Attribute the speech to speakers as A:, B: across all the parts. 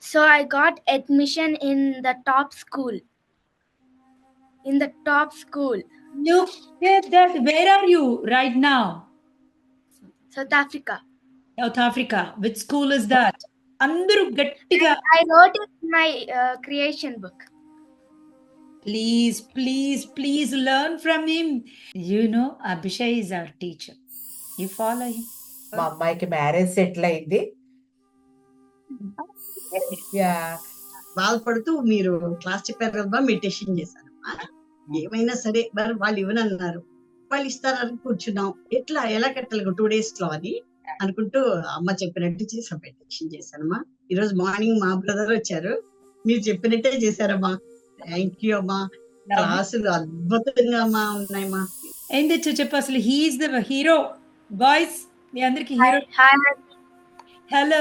A: So I got admission in the top school.
B: Look at that. Where are you right now?
A: South Africa.
B: South Africa. Which school is that? Andaru gattiga.
A: I wrote it in my creation book.
B: Please learn from him. You know, Abhishek is our teacher. You follow him.
C: మా అమ్మాయికి marriage settle అయింది.
D: Yeah బాధపడుతూ మీరు class చెప్పారు కదా, meditation చేశాను. ఏమైనా సరే మరి వాళ్ళు ఇవ్వనన్నారు, వాళ్ళు ఇస్తారని కూర్చున్నాం. ఎలా కట్టాలి 2 days లో అని అనుకుంటూ అమ్మ చెప్పినట్టు చేసాం, మెడిటేషన్ చేశానమ్మా. ఈరోజు మార్నింగ్ మా బ్రదర్ వచ్చారు, మీరు చెప్పినట్టే చేశారమ్మా. థ్యాంక్ యూ అమ్మా. క్లాసులు అద్భుతంగా అమ్మా ఉన్నాయమ్మా.
B: ఏం తెచ్చో చెప్పు అసలు. He is the hero. బాయ్స్ మీ అందరికి హీరో. హలో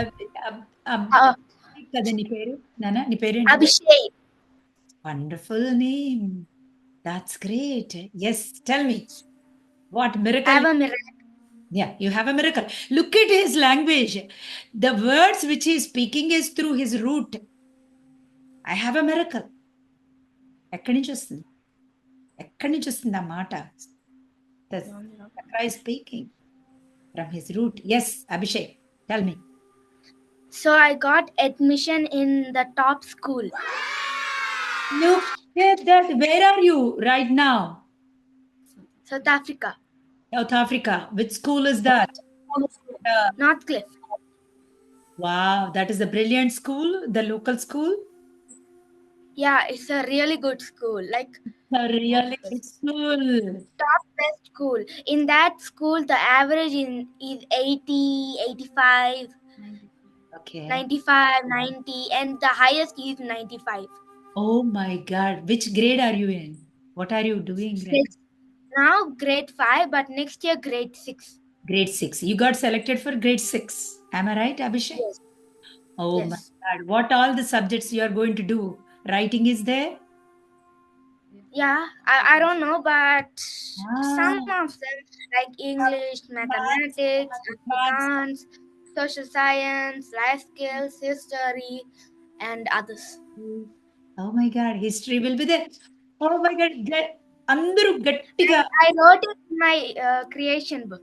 B: కదా నీ పేరు? నానా నీ పేరు?
A: Abhishek.
B: Wonderful name. That's great. Yes, tell me. What miracle?
A: I have a miracle.
B: Yeah, you have a miracle. Look at his language. The words which he is speaking is through his root. I have a miracle. ఎక్కడి నుంచి వస్తుంది ఆ మాట? The Chakra is speaking from his root. Yes, Abhishek, tell me.
A: So I got admission in the top school.
B: Look at that. Where are you right now?
A: South Africa.
B: South Africa. Which school is that?
A: Northcliffe.
B: Wow, that is a brilliant school, the local school.
A: Yeah, it's a really good school. Like
B: A really good school.
A: top best school. In that school, the average is 80, 85,
B: Okay.
A: 95, 90, and the highest is 95.
B: Oh my God. Which grade are you in? What are you doing?
A: Now grade 5, but next year grade 6.
B: Grade 6. You got selected for grade 6. Am I right, Abhishek?
A: Yes.
B: Oh
A: Yes.
B: my God. What all the subjects you are going to do? Writing is there?
A: Yeah, I don't know, but some
B: Ah.
A: of them like English, mathematics, accounts, social science, life skills, history, and others.
B: Oh my God. History will be there. Oh my God. Andaru gattiga.
A: I wrote it in my creation book.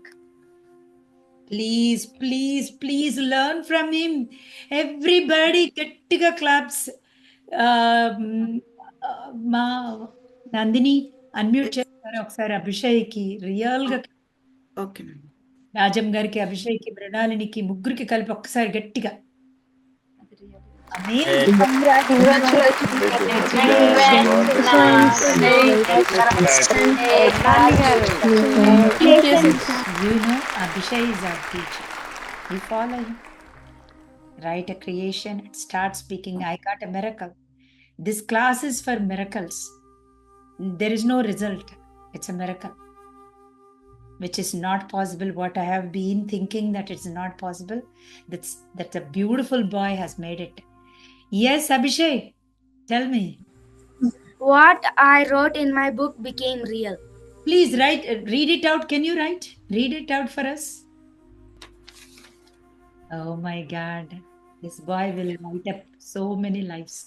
B: Please learn from him. Everybody gattiga claps. మా Nandini unmute చేస్తారు ఒకసారి. అభిషేక్కి రియల్గా,
E: okay
B: Rajam గారికి, అభిషేక్కి, మృణాలినికి, ముగ్గురికి కలిపి ఒక్కసారి గట్టిగా. Abhishek is our teacher. You follow him. Write a creation and start speaking. I got a miracle. This class is for miracles. There is no result. It's a miracle, which is not possible. What I have been thinking that it's not possible, that a beautiful boy has made it. Yes, Abhishek, tell me.
A: What I wrote in my book became real.
B: Please read it out. Can you read it out for us? Oh my God, this boy will light up so many lives.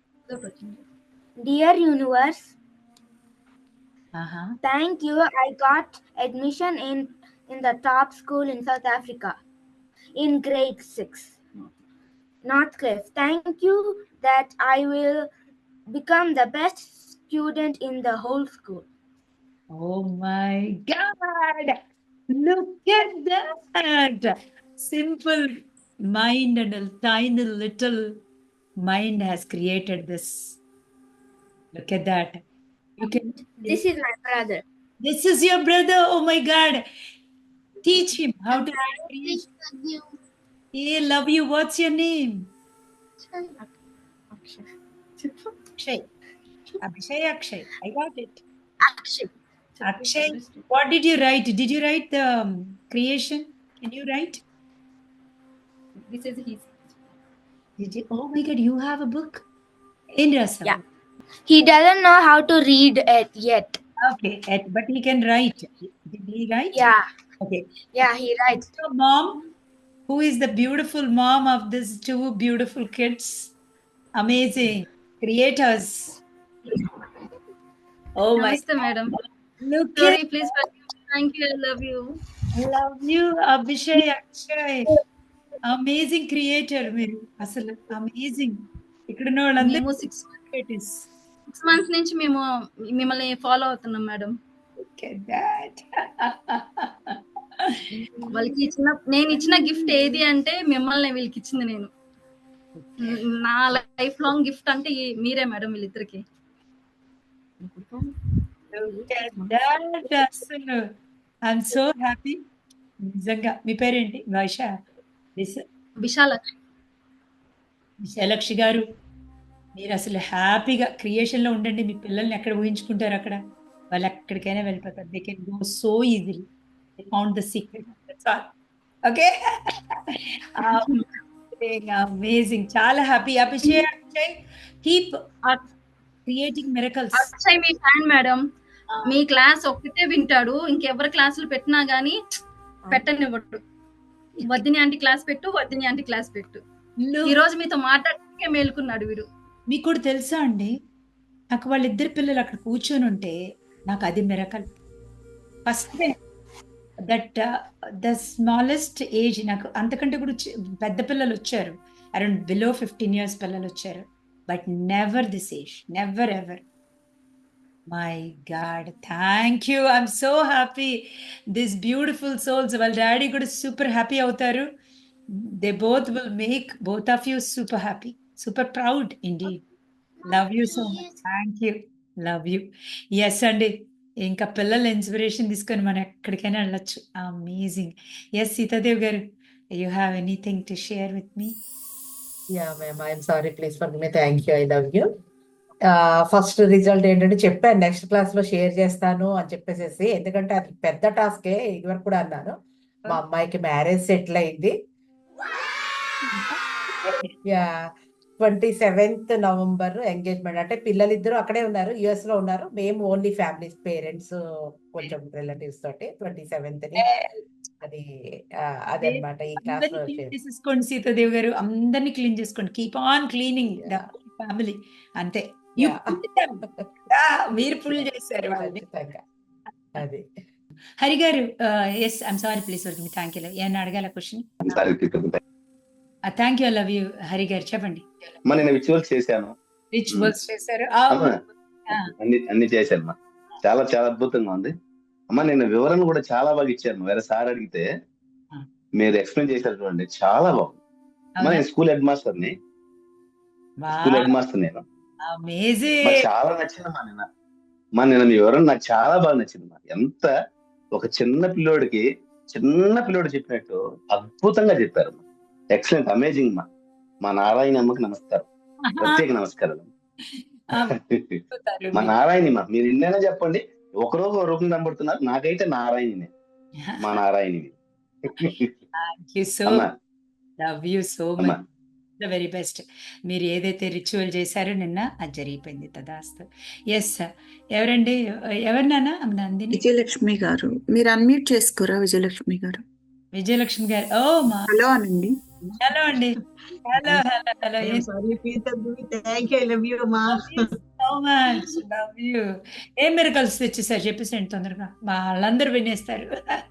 A: Dear universe,
B: Uh-huh.
A: thank you. I got admission in the top school in South Africa in grade 6. Northcliffe. Thank you that I will become the best student in the whole school.
B: Oh my God! Look at that! Simple mind and a tiny little mind has created this. Look at that. You can.
A: This is my brother.
B: This is your brother. Oh my God! Teach him how to write creation. He love you. What's your name? Akshay. Akshay. I got it. Akshay, what did you write? Did you write the creation? Can you write?
E: This is his.
B: Did you? Oh my God, you have a book? In Rasa.
A: Yeah. He doesn't know how to read it yet.
B: Okay, but he can write. Did he write?
A: Yeah.
B: Okay.
A: Yeah, he writes.
B: Your mom, Who is the beautiful mom of these two beautiful kids? Amazing creators. Oh my
E: Namaste, madam.
B: look
E: Sorry,
B: at
E: please forgive me. Thank you. I love you.
B: love you Abhishek Akshay. Amazing creator మీరు అసలు amazing. ఇక్కడ ఉన్న వాళ్ళందరూ
E: మేము 6 months నుంచి మేము మిమ్మల్ని follow అవుతున్నాం మేడం. వాళ్ళకి నేను ఇచ్చిన గిఫ్ట్ ఏది అంటే మిమ్మల్ని వీళ్ళకి ఇచ్చింది నేను. నా లైఫ్ లాంగ్ గిఫ్ట్ అంటే మీరే మేడం వీళ్ళిద్దరికి.
B: అసలు ఐఎమ్ సో హ్యాపీ నిజంగా. మీ పేరేంటి? విశాలక్షి గారు, మీరు అసలు హ్యాపీగా క్రియేషన్ లో ఉండండి. మీ పిల్లల్ని ఎక్కడ ఊహించుకుంటారు అక్కడ వాళ్ళు ఎక్కడికైనా వెళ్ళిపోతారు. They can go so easily. They found the secret. That's all. Okay, amazing. చాలా happy. Abhishek keep creating miracles.
E: Akshay మీ ఫ్యాన్ మేడం. మీ క్లాస్ ఒక్కటే వింటాడు, ఇంకెవరి క్లాసులు పెట్టినా గానీ పెట్టనివ్వడు. వద్దిని ఆంటీ క్లాస్ పెట్టు, వద్దిని ఆంటీ క్లాస్ పెట్టు. ఈ రోజు మీతో మాట్లాడటానికే మేలుకున్నాడు వీడు.
B: మీకు కూడా తెలుసా అండి, నాకు వాళ్ళిద్దరు పిల్లలు అక్కడ కూర్చొని ఉంటే నాకు అది miracle. First that the smallest age, నాకు అంతకంటే కూడా పెద్ద పిల్లలు వచ్చారు, అరౌండ్ బిలో 15 years పిల్లలు వచ్చారు. But never this age, never ever. My God, thank you. I'm so happy. This beautiful souls, వాళ్ళ డాడీ కూడా సూపర్ హ్యాపీ అవుతారు. They both will make both of you super happy, super proud indeed. Love you so much. Thank you. Love you. Yes అండి, ఇంకా పిల్లల inspiration తీసుకొని మనం ఎక్కడికైనా వెళ్ళొచ్చు. అమేజింగ్. ఎస్ సీతాదేవ్ గారు, you have anything to share with me?
C: Yeah ma'am, I'm sorry, please forgive me. Thank you, I love you. First result ఏంటంటే చెప్పాను నెక్స్ట్ క్లాస్ లో షేర్ చేస్తాను అని చెప్పేసి, ఎందుకంటే అది పెద్ద టాస్కే. ఇదివరకు కూడా అన్నాను, మా అమ్మాయికి మ్యారేజ్ సెటిల్ అయింది. Yeah, 27th November engagement. అంటే పిల్లలిద్దరూ అక్కడే ఉన్నారు, యుఎస్ లో ఉన్నారు. మేము ఓన్లీ ఫ్యామిలీస్, పేరెంట్స్, కొంచెం రిలేటివ్స్ తోటి 27th అది అదనమాట. ఈ క్లాస్ లో
B: చేసుకోండి సీతాదేవ్ గారు, అందరినీ క్లీన్ చేసుకోండి. Keep on cleaning the family. అంతే. మీరు ఫుల్ చేశారు వాళ్ళని.
C: అది
B: హరి గారు, yes I'm sorry, please work me. Thank you. ఏమన్నా అడగాల question? Thank you, love you. Hari గారు చెప్పండి.
F: నేను రిచువల్స్ చేశాను.
B: రిచువల్స్ చేశారు,
F: అన్ని చేశాను. చాలా చాలా అద్భుతంగా ఉంది అమ్మా. నేను వివరణ కూడా చాలా బాగా ఇచ్చాను. వేరే సార్ అడిగితే మీరు ఎక్స్ప్లెయిన్ చేశారు చూడండి, చాలా బాగుంది. నేను స్కూల్ హెడ్ మాస్టర్ని. నేను చాలా నచ్చిందమ్మా. నిన్న మీ వివరణ నాకు చాలా బాగా నచ్చిందమ్మా. ఎంత ఒక చిన్న పిల్లోడు చెప్పినట్టు అద్భుతంగా చెప్పారు. Excellent, amazing. మా నారాయణ అమ్మకి నమస్కారం, ప్రత్యేక నమస్కారాలు. మా నారాయణి, మీరు ఎన్నైనా చెప్పండి, ఒకరోజు ఒక రూపం కనబడుతున్నారు. నాకైతే నారాయణినే, మా నారాయణి.
B: The very best. మీరు ఏదైతే రిచువల్ చేశారో నిన్న, అది జరిగిపోయింది. తదాస్తు. Yes sir. ఎవరండి? ఎవరినానా? నందిని.
G: విజయలక్ష్మి గారు, మీరు అన్మ్యూట్ చేసుకోరా? విజయలక్ష్మి గారు.
B: విజయలక్ష్మి గారు, ఓ మా
G: హలో అనండి.
B: హలో అండి. Hello hello hello. ఏం మిరకల్స్ తెచ్చేసారు చెప్పేసండి తొందరగా, మా వాళ్ళందరూ వినేస్తారు.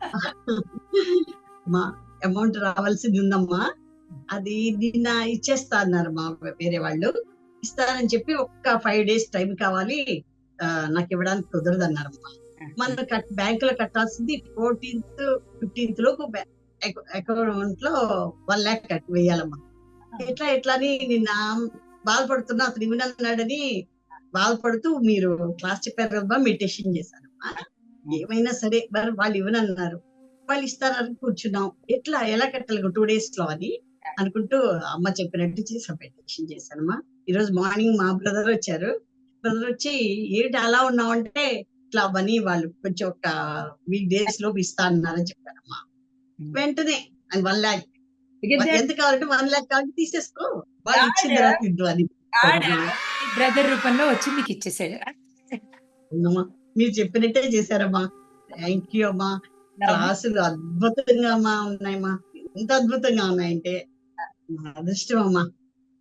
D: మా అమౌంట్ రావాల్సింది ఉందమ్మా, అది నిన్న ఇచ్చేస్తా అన్నారు మా వేరే వాళ్ళు. ఇస్తానని చెప్పి ఒక్క 5 days టైం కావాలి, నాకు ఇవ్వడానికి కుదరదు అన్నారమ్మా. మనం బ్యాంకులో కట్టాల్సింది 14th 15th లోపు అకౌంట్ లో 1 lakh వేయాలమ్మా. ఎట్లా అని నిన్న బాధపడుతున్నా, అతను ఇవ్వనన్నాడని బాధపడుతూ మీరు క్లాస్ చెప్పారు కదా, మెడిటేషన్ చేశానమ్మా. ఏమైనా సరే మరి వాళ్ళు ఇవ్వనన్నారు, వాళ్ళు ఇస్తారని కూర్చున్నాం. ఎలా కట్టాలి 2 days లో అని అనుకుంటూ అమ్మ చెప్పినట్టు చేసి మెడిటేషన్ చేశానమ్మా. ఈరోజు మార్నింగ్ మా బ్రదర్ వచ్చి ఏంటి అలా ఉన్నావు అంటే, ఇట్లా అవన్నీ వాళ్ళు కొంచెం ఒక వీక్ డేస్ లోపు ఇస్తా అన్నారని చెప్పారమ్మా. వెంటనే 1 lakh ఎంత కావాలంటే 1 lakh కావాలంటే తీసేసుకో, వాళ్ళు ఇచ్చిన తర్వాత ఇద్దు అని
B: బ్రదర్ రూపంలో వచ్చి మీకు ఇచ్చేసాడు.
D: మీరు చెప్పినట్టే చేశారమ్మా. థ్యాంక్ యూ అమ్మా. క్లాసులు అద్భుతంగా ఉన్నాయమ్మా. ఎంత అద్భుతంగా ఉన్నాయంటే నా అదృష్టం అమ్మా.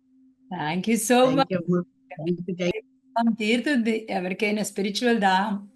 B: Thank you so
D: thank
B: much.
D: You అమ్మా. Thank you.
B: తీరుతుంది ఎవరికైనా స్పిరిచువల్ దాహం